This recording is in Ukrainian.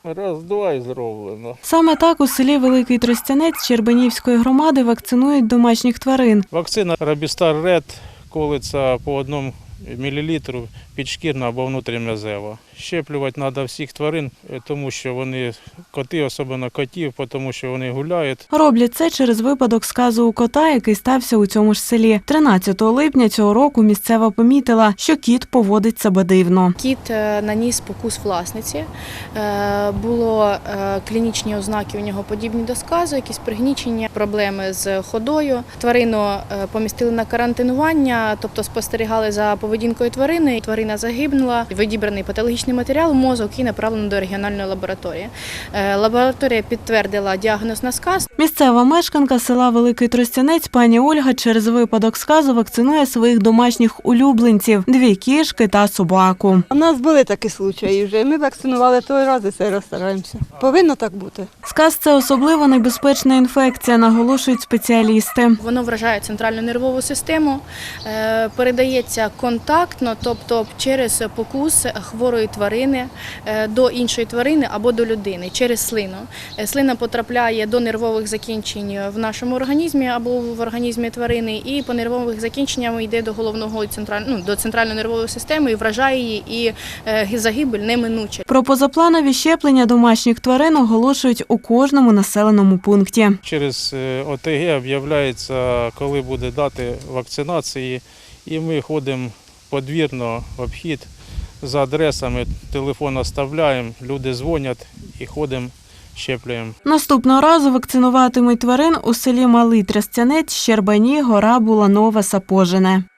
Раз-два і зроблено. Саме так у селі Великий Тростянець Щербинівської громади вакцинують домашніх тварин. Вакцина Рабістар Ред колиться по 1 мл підшкірна або внутрім'язева. Щеплювати треба всіх тварин, тому що вони, коти, особливо котів, тому що вони гуляють. Роблять це через випадок сказу у кота, який стався у цьому ж селі. 13 липня цього року місцева помітила, що кіт поводить себе дивно. Кіт наніс покус власниці. Було клінічні ознаки у нього подібні до сказу, якісь пригнічення, проблеми з ходою. Тварину помістили на карантинування, тобто спостерігали за поведінкою тварини. Тварина загибнула, відібраний патологічний матеріал, мозок і направлено до регіональної лабораторії. Лабораторія підтвердила діагноз на сказ. Місцева мешканка села Великий Тростянець пані Ольга через випадок сказу вакцинує своїх домашніх улюбленців – 2 кішки та собаку. У нас були такі случаї вже. Ми вакцинували той раз і цей раз стараємося. Повинно так бути. Сказ – це особливо небезпечна інфекція, наголошують спеціалісти. Воно вражає центральну нервову систему, передається контактно, тобто через покус хворої тварини до іншої тварини або до людини, через слину. Слина потрапляє до нервових закінчень в нашому організмі або в організмі тварини, і по нервових закінченням йде до головного до центральної нервової системи і вражає її, і загибель неминуча. Про позапланові щеплення домашніх тварин оголошують у кожному населеному пункті. Через ОТГ об'являється, коли буде дати вакцинації, і ми ходимо подвірно в обхід за адресами, телефон оставляємо, люди дзвонять і ходимо, щеплюємо. Наступного разу вакцинуватимуть тварин у селі Малий Тростянець, Щербані, Гора, Буланова, Сапожине.